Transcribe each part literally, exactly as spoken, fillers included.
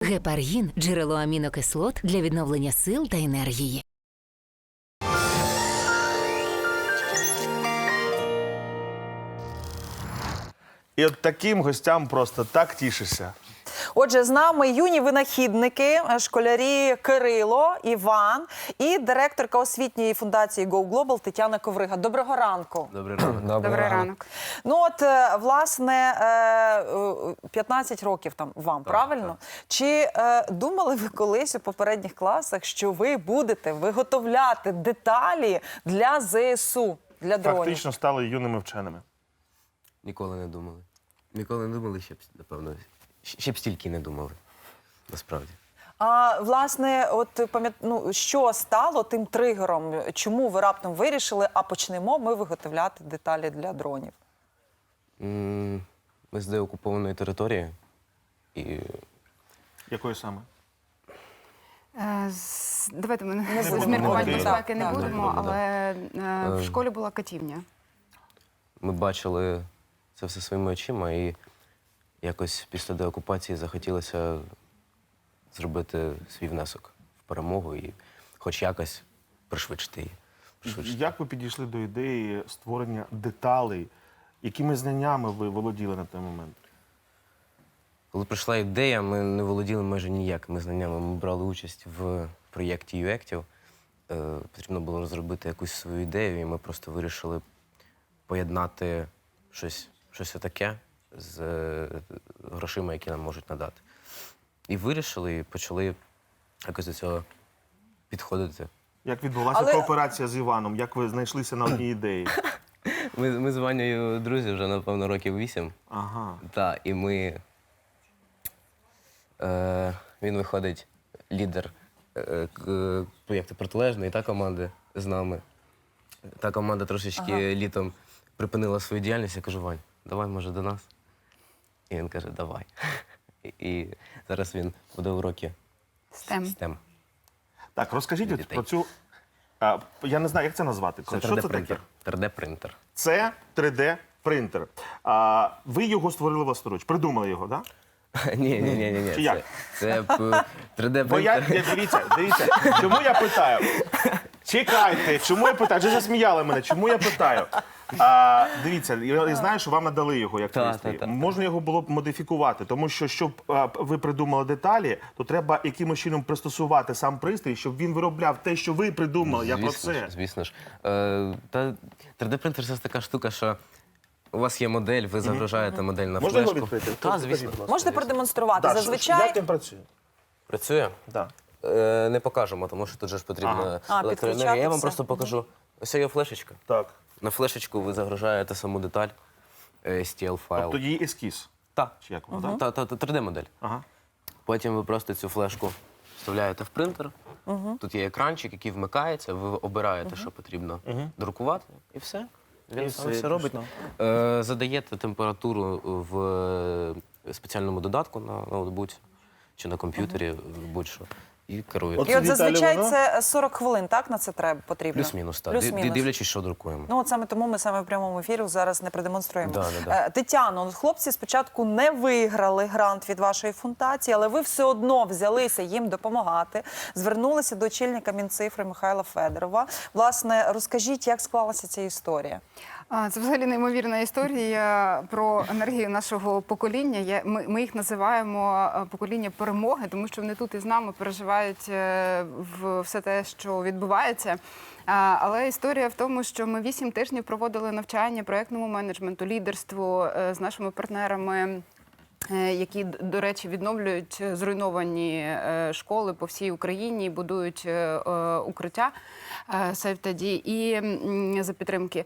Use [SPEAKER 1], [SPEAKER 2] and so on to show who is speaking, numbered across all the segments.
[SPEAKER 1] Гепаргін – джерело амінокислот для відновлення сил та енергії.
[SPEAKER 2] І от таким гостям просто так тішишся.
[SPEAKER 3] Отже, з нами юні винахідники, школярі Кирило, Іван і директорка освітньої фундації Go Global Тетяна Коврига. Доброго ранку.
[SPEAKER 4] Добрий ранок.
[SPEAKER 5] Добрий ранок.
[SPEAKER 3] Ну от, е, власне, е, п'ятнадцять років там вам,
[SPEAKER 4] Так,
[SPEAKER 3] правильно?
[SPEAKER 4] так.
[SPEAKER 3] Чи е, думали ви колись у попередніх класах, що ви будете виготовляти деталі для ЗСУ, для дронів?
[SPEAKER 2] Фактично стали юними вченими.
[SPEAKER 4] Ніколи не думали. Ніколи не думали, ще б, напевно, ще б стільки не думали, насправді.
[SPEAKER 3] А, власне, от пам'ят... ну, що стало тим тригером? Чому ви раптом вирішили, а почнемо ми виготовляти деталі для дронів?
[SPEAKER 4] М, Ми з деокупованої території і
[SPEAKER 2] Якої саме?
[SPEAKER 5] Е, з- Давайте ми
[SPEAKER 3] Не
[SPEAKER 5] з
[SPEAKER 3] будемо
[SPEAKER 5] міркувань
[SPEAKER 2] говорити.
[SPEAKER 5] безпеки не
[SPEAKER 3] Так, так.
[SPEAKER 5] будемо,
[SPEAKER 4] Не будемо,
[SPEAKER 5] але е, в
[SPEAKER 4] Е.
[SPEAKER 5] школі була катівня.
[SPEAKER 4] ми бачили це все своїми очима, і якось після деокупації захотілося зробити свій внесок в перемогу і хоч якось пришвидшити її. Пришвидшити.
[SPEAKER 2] Як ви підійшли до ідеї створення деталей? Якими знаннями ви володіли на той момент?
[SPEAKER 4] Коли прийшла ідея, ми не володіли майже ніякими знаннями. Ми брали участь в проєкті ю-ектів. Е, Потрібно було розробити якусь свою ідею, і ми просто вирішили поєднати щось, щось таке з е, грошима, які нам можуть надати. І вирішили, і почали якось до цього підходити.
[SPEAKER 2] Як відбулася
[SPEAKER 3] Але-
[SPEAKER 2] кооперація з Іваном? Як ви знайшлися на одній ідеї?
[SPEAKER 4] Ми, ми з Ванею друзі вже, напевно, років вісім.
[SPEAKER 2] Ага.
[SPEAKER 4] Так, і ми. Е, він виходить лідер е, к- проєкту протилежної та команди з нами. Та команда трошечки
[SPEAKER 3] Ага.
[SPEAKER 4] літом припинила свою діяльність. Я кажу, Вань, давай, може, до нас. І він каже, давай. І, і зараз він буде уроки
[SPEAKER 5] Стем.
[SPEAKER 4] STEM.
[SPEAKER 2] Так, розкажіть
[SPEAKER 4] Для
[SPEAKER 2] от
[SPEAKER 4] дітей.
[SPEAKER 2] про цю... А, я не знаю, як це назвати.
[SPEAKER 4] Це
[SPEAKER 2] Що це таке?
[SPEAKER 4] три де-принтер. три де-принтер.
[SPEAKER 2] Це три де принтер. А, ви його створили власноруч, придумали його, так? Да?
[SPEAKER 4] Ні, ні, ні, ні, ні.
[SPEAKER 2] Чи як?
[SPEAKER 4] Це, це три
[SPEAKER 2] Бо я,
[SPEAKER 4] де-принтер.
[SPEAKER 2] я- дивіться, дивіться, чому я питаю? Чекайте, чому я питаю? Вже засміяли мене, чому я питаю? А, дивіться, я знаю, що вам надали його як
[SPEAKER 4] Та,
[SPEAKER 2] пристрій.
[SPEAKER 4] та, та.
[SPEAKER 2] Можна його було б модифікувати, тому що, щоб а, ви придумали деталі, то треба якимось чином пристосувати сам пристрій, щоб він виробляв те, що ви придумали. Я про
[SPEAKER 4] Звісно
[SPEAKER 2] це.
[SPEAKER 4] ж, звісно ж. Е, та три де-принтер це така штука, що у вас є модель, ви загружаєте модель на
[SPEAKER 2] Можна його
[SPEAKER 4] флешку.
[SPEAKER 2] відкрити?
[SPEAKER 4] Так,
[SPEAKER 2] Покажіть,
[SPEAKER 4] звісно.
[SPEAKER 2] будь ласка.
[SPEAKER 3] Можете продемонструвати?
[SPEAKER 2] Так,
[SPEAKER 3] Зазвичай...
[SPEAKER 2] як він працює?
[SPEAKER 4] Працює?
[SPEAKER 2] Так.
[SPEAKER 4] Е, не покажемо, тому що тут же ж потрібна
[SPEAKER 2] Ага.
[SPEAKER 3] А,
[SPEAKER 4] електроенергія. Я
[SPEAKER 3] підключати
[SPEAKER 4] вам
[SPEAKER 3] все.
[SPEAKER 4] просто покажу. Ось є флешечка.
[SPEAKER 2] Так.
[SPEAKER 4] На флешечку ви загружаєте саму деталь, е, ес ті ел-файл.
[SPEAKER 2] Тобто її ескіз.
[SPEAKER 4] Так.
[SPEAKER 2] Чи як воно, так?
[SPEAKER 4] Та, та, та, три де-модель.
[SPEAKER 2] Ага.
[SPEAKER 4] Потім ви просто цю флешку вставляєте в принтер. Тут є екранчик, який вмикається, ви обираєте, що потрібно друкувати, і все. Він
[SPEAKER 2] І
[SPEAKER 4] сам
[SPEAKER 2] все,
[SPEAKER 4] все робить.
[SPEAKER 2] пішло.
[SPEAKER 4] Е, задаєте температуру в е, спеціальному додатку на ноутбуці чи на комп'ютері, будь-що, і керуєте.
[SPEAKER 2] От
[SPEAKER 3] І от
[SPEAKER 2] Віталій,
[SPEAKER 3] зазвичай
[SPEAKER 2] воно?
[SPEAKER 3] це сорок хвилин, так, на це треба, потрібно?
[SPEAKER 4] Плюс-мінус, так.
[SPEAKER 3] Плюс-мінус.
[SPEAKER 4] Ди- Дивлячись, що друкуємо.
[SPEAKER 3] Ну, от саме тому ми саме в прямому ефірі зараз не продемонструємо.
[SPEAKER 4] Да, да, да.
[SPEAKER 3] Е, Тетяно, от хлопці спочатку не виграли грант від вашої фундації, але ви все одно взялися їм допомагати, звернулися до очільника Мінцифри Михайла Федорова. Власне, розкажіть, як склалася ця історія?
[SPEAKER 5] А, Це взагалі неймовірна історія про енергію нашого покоління. Я- Ми, ми їх називаємо е, покоління перемоги, тому що вони тут із нами переживають е, в все те, що відбувається. А, Але історія в тому, що ми вісім тижнів проводили навчання проєктному менеджменту, лідерству е, з нашими партнерами. е, Які, д- до речі, відновлюють зруйновані е, школи по всій Україні, будують е, е, укриття е, Сейф-Таді і м, за підтримки.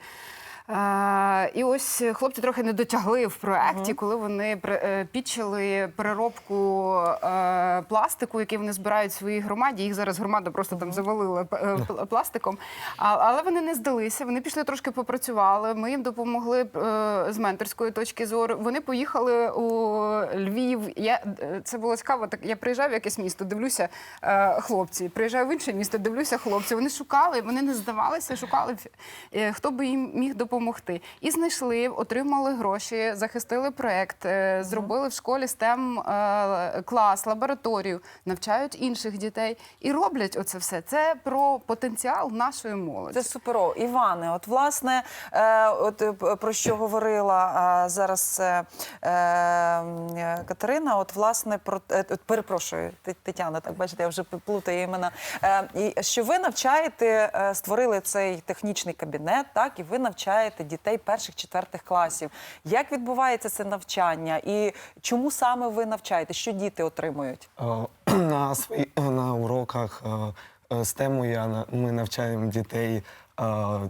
[SPEAKER 5] Е, І ось хлопці трохи не дотягли в проєкті, коли вони при- е, підчили переробку е, пластику, який вони збирають в своїй громаді. Їх зараз громада просто там завалила п- е, пл- пластиком. А- Але вони не здалися, вони пішли трошки попрацювали, ми їм допомогли е, з менторської точки зору. Вони поїхали у Львів. Я, е, це було цікаво, так я приїжджаю в якесь місто, дивлюся е, хлопці, приїжджаю в інше місто, дивлюся хлопці. Вони шукали, вони не здавалися, шукали, е, хто би їм міг допомогти. І знайшли, отримали гроші, захистили проєкт, е, зробили в школі стем е, клас, лабораторію. лабораторію, навчають інших дітей і роблять оце все. Це про потенціал нашої молоді.
[SPEAKER 3] Це суперово. Іване, от власне, е, от е, про що говорила е, зараз е, е, Катерина, от власне про е, от, перепрошую, Т- Тетяна, так бачите, я вже плутаю імена. Е, і що ви навчаєте, е, створили цей технічний кабінет, так, і ви навчаєте дітей перших-четвертих класів. Як відбувається це навчання і чому саме ви навчаєте? Що діти отримують?
[SPEAKER 6] Е, На свої на уроках е, е, стему я на- ми навчаємо дітей. е,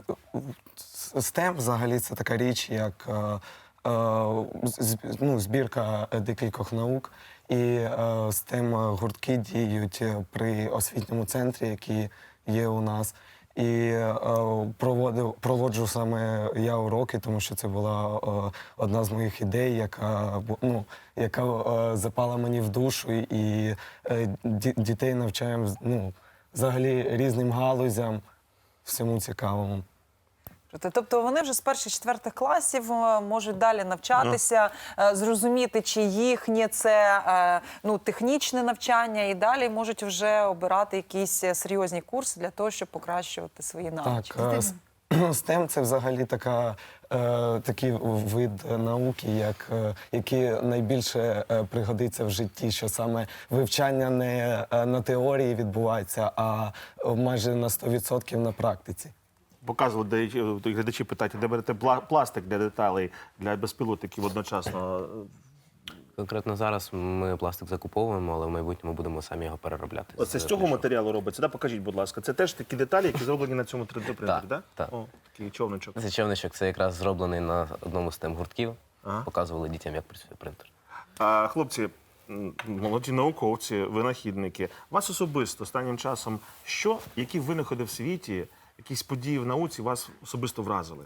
[SPEAKER 6] с- стем взагалі це така річ, як е, е, з- ну, збірка декількох наук. І е, стем гуртки діють при освітньому центрі, який є у нас. І е, проводив, проводжу саме я уроки, тому що це була е, одна з моїх ідей, яка, бу- ну, яка е, запала мені в душу. І е, ді- дітей навчаємо ну, взагалі різним галузям, всьому цікавому.
[SPEAKER 3] Тобто вони вже з перших-четвертих класів е, можуть далі навчатися, е, зрозуміти, чи їхнє це е, ну, технічне навчання, і далі можуть вже обирати якісь е, серйозні курси для того, щоб покращувати свої навички.
[SPEAKER 6] Так, е, с- стем це взагалі така, е, такий вид науки, як, е, який найбільше е, пригодиться в житті, що саме вивчання не е, на теорії відбувається, а майже на сто відсотків на практиці.
[SPEAKER 2] Показували, де глядачі питають, де берете пла- пластик для деталей, для безпілотників одночасно.
[SPEAKER 4] Конкретно зараз ми пластик закуповуємо, але в майбутньому будемо самі його переробляти.
[SPEAKER 2] Оце з цього
[SPEAKER 4] пляшок.
[SPEAKER 2] матеріалу робиться, да? Покажіть, будь ласка. Це теж такі деталі, які зроблені на цьому три дэ принтері,
[SPEAKER 4] Так,
[SPEAKER 2] так?
[SPEAKER 4] так.
[SPEAKER 2] О, такий човничок.
[SPEAKER 4] Цей човничок це якраз зроблений на одному з тем гуртків.
[SPEAKER 2] Ага.
[SPEAKER 4] Показували дітям, як працює принтер.
[SPEAKER 2] А, хлопці, м, молоді науковці, винахідники, вас особисто останнім часом що, які винаходи в світі, якісь події в науці вас особисто вразили?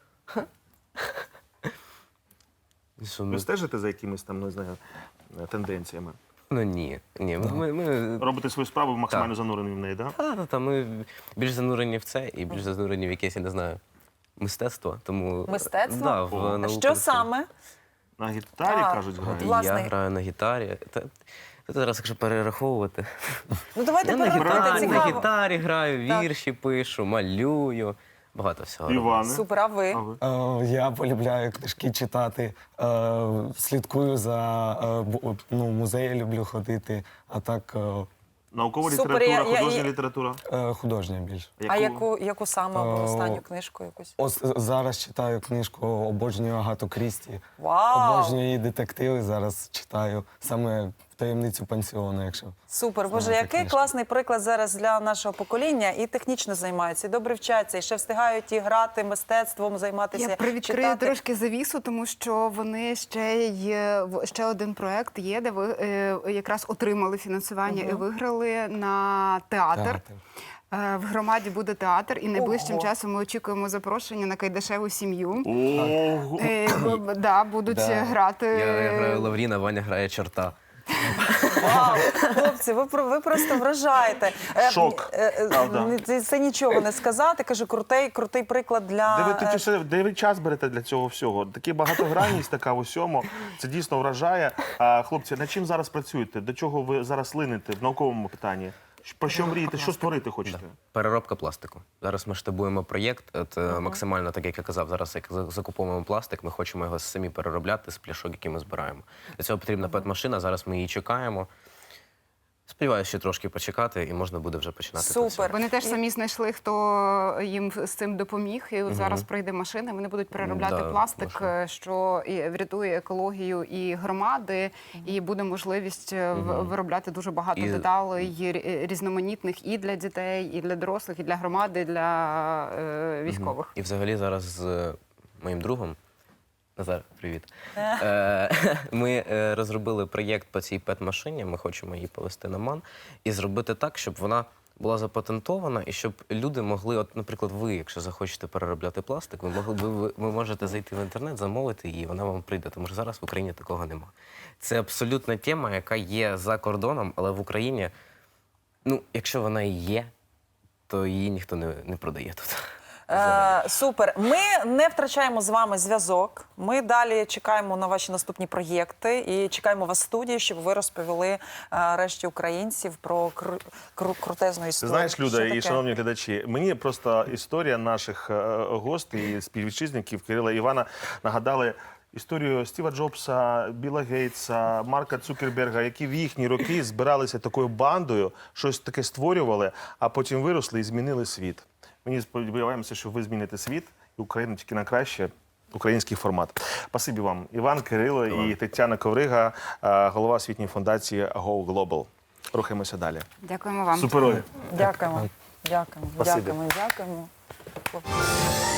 [SPEAKER 4] Що
[SPEAKER 2] Ви
[SPEAKER 4] ми...
[SPEAKER 2] стежите за якимись там, не знаю, тенденціями?
[SPEAKER 4] Ну ні. ні. Ми, ми...
[SPEAKER 2] Робите свою справу максимально
[SPEAKER 4] Так.
[SPEAKER 2] занурені в неї, так? Да?
[SPEAKER 4] Та, та, та, ми більш занурені в це і більш занурені в якесь, я не знаю, мистецтво. Тому...
[SPEAKER 3] Мистецтво?
[SPEAKER 4] Да, в
[SPEAKER 2] О.
[SPEAKER 4] науку.
[SPEAKER 3] Що саме?
[SPEAKER 2] На гітарі,
[SPEAKER 3] А,
[SPEAKER 2] кажуть, грають.
[SPEAKER 3] от, власне.
[SPEAKER 4] Я граю на гітарі. Та, та зараз, якщо перераховувати.
[SPEAKER 3] Ну давайте
[SPEAKER 4] Я на
[SPEAKER 3] перерахуйте,
[SPEAKER 4] гітарі, на
[SPEAKER 3] цікаво.
[SPEAKER 4] гітарі граю,
[SPEAKER 3] Так.
[SPEAKER 4] вірші пишу, малюю. Багато всього. роблю.
[SPEAKER 2] Іване.
[SPEAKER 3] Супер, а ви?
[SPEAKER 2] А ви?
[SPEAKER 6] Е, Я полюбляю книжки читати, е, слідкую за е, бу- ну, музеї люблю ходити, а так е,
[SPEAKER 2] Наукова
[SPEAKER 3] Супер,
[SPEAKER 2] література,
[SPEAKER 3] я- я-
[SPEAKER 2] художня
[SPEAKER 3] я-
[SPEAKER 2] література.
[SPEAKER 6] е, художня більше.
[SPEAKER 3] А яку, яку саме або
[SPEAKER 6] Е,
[SPEAKER 3] останню книжку якусь?
[SPEAKER 6] Ось зараз читаю книжку, обожнюю Агату Крісті.
[SPEAKER 3] Вау!
[SPEAKER 6] Обожнюю її детективи, зараз читаю саме таємницю пансіону, якщо.
[SPEAKER 3] Супер, Боже,
[SPEAKER 6] Знаєте,
[SPEAKER 3] який
[SPEAKER 6] книжка.
[SPEAKER 3] класний приклад зараз для нашого покоління. І технічно займаються, і добре вчаться, і ще встигають і грати мистецтвом, займатися.
[SPEAKER 5] Я привідкрию
[SPEAKER 3] читати.
[SPEAKER 5] трошки завісу, тому що вони ще є в- ще один проект є, де ви е, якраз отримали фінансування і виграли на театр.
[SPEAKER 6] Театр.
[SPEAKER 5] Е, В громаді буде театр, і найближчим
[SPEAKER 3] Ого.
[SPEAKER 5] часом ми очікуємо запрошення на Кайдашеву сім'ю.
[SPEAKER 2] Ого!
[SPEAKER 5] Е, б- да, будуть
[SPEAKER 6] Да.
[SPEAKER 5] грати.
[SPEAKER 4] Я, я граю Лавріна, Ваня грає чорта.
[SPEAKER 3] Вау, хлопці, ви, про- ви просто вражаєте. Е,
[SPEAKER 2] Шок,
[SPEAKER 3] е, е,
[SPEAKER 2] правда.
[SPEAKER 3] Це, це нічого не сказати. Кажу, крутий, крутий приклад для...
[SPEAKER 2] Де ви,
[SPEAKER 3] е,
[SPEAKER 2] тоді ще- де ви час берете для цього всього? Такі багатогранність така в усьому. Це дійсно вражає. А, хлопці, над чим зараз працюєте? До чого ви зараз лините в науковому питанні? Про що мрієте? Що створити хочете?
[SPEAKER 4] Переробка пластику. Зараз ми штабуємо проєкт. От, е, максимально, так як я казав, зараз як за- закуповуємо пластик, ми хочемо його самі переробляти з пляшок, які ми збираємо. Для цього потрібна пет-машина, зараз ми її чекаємо. Сподіваюся, ще трошки почекати, і можна буде вже починати
[SPEAKER 3] Супер.
[SPEAKER 4] працювати.
[SPEAKER 5] Вони теж самі знайшли, хто їм з цим допоміг. І от зараз прийде машина, вони будуть переробляти
[SPEAKER 4] Да,
[SPEAKER 5] пластик,
[SPEAKER 4] машина.
[SPEAKER 5] е, що і врятує екологію і громади, і буде можливість е, в- виробляти дуже багато
[SPEAKER 4] І-
[SPEAKER 5] деталей рі- різноманітних і для дітей, і для дорослих, і для громади, і для е, військових.
[SPEAKER 4] І взагалі зараз з е, моїм другом, Назар, привіт. Е, Ми е, розробили проєкт по цій пет-машині, ми хочемо її повести на МАН і зробити так, щоб вона була запатентована і щоб люди могли, от, наприклад, ви, якщо захочете переробляти пластик, ви могли ви, ви, ви можете зайти в інтернет, замовити її, вона вам прийде, тому що зараз в Україні такого нема. Це абсолютна тема, яка є за кордоном, але в Україні, ну, якщо вона і є, то її ніхто не, не продає тут.
[SPEAKER 3] Е, супер. Ми не втрачаємо з вами зв'язок. Ми далі чекаємо на ваші наступні проєкти і чекаємо вас в студії, щоб ви розповіли е, решті українців про кру, кру, крутезну
[SPEAKER 2] Ти
[SPEAKER 3] історію.
[SPEAKER 2] знаєш, Люда
[SPEAKER 3] Що
[SPEAKER 2] і
[SPEAKER 3] таке?
[SPEAKER 2] шановні глядачі, мені просто історія наших е, гостей і співвітчизників Кирила і Івана нагадали історію Стіва Джобса, Біла Гейтса, Марка Цукерберга, які в їхні роки збиралися такою бандою, щось таке створювали, а потім виросли і змінили світ. Мені сподіваємося, що ви зміните світ і Україну тільки на краще. Український формат. Спасибі вам. Іван, Кирило і Тетяна Коврига, е, голова освітньої фундації Go Global. Рухаємося далі.
[SPEAKER 5] Дякуємо вам.
[SPEAKER 2] Суперові.
[SPEAKER 3] Дякуємо. Дякуємо.
[SPEAKER 2] Спасибі.
[SPEAKER 3] Дякуємо. Дякуємо.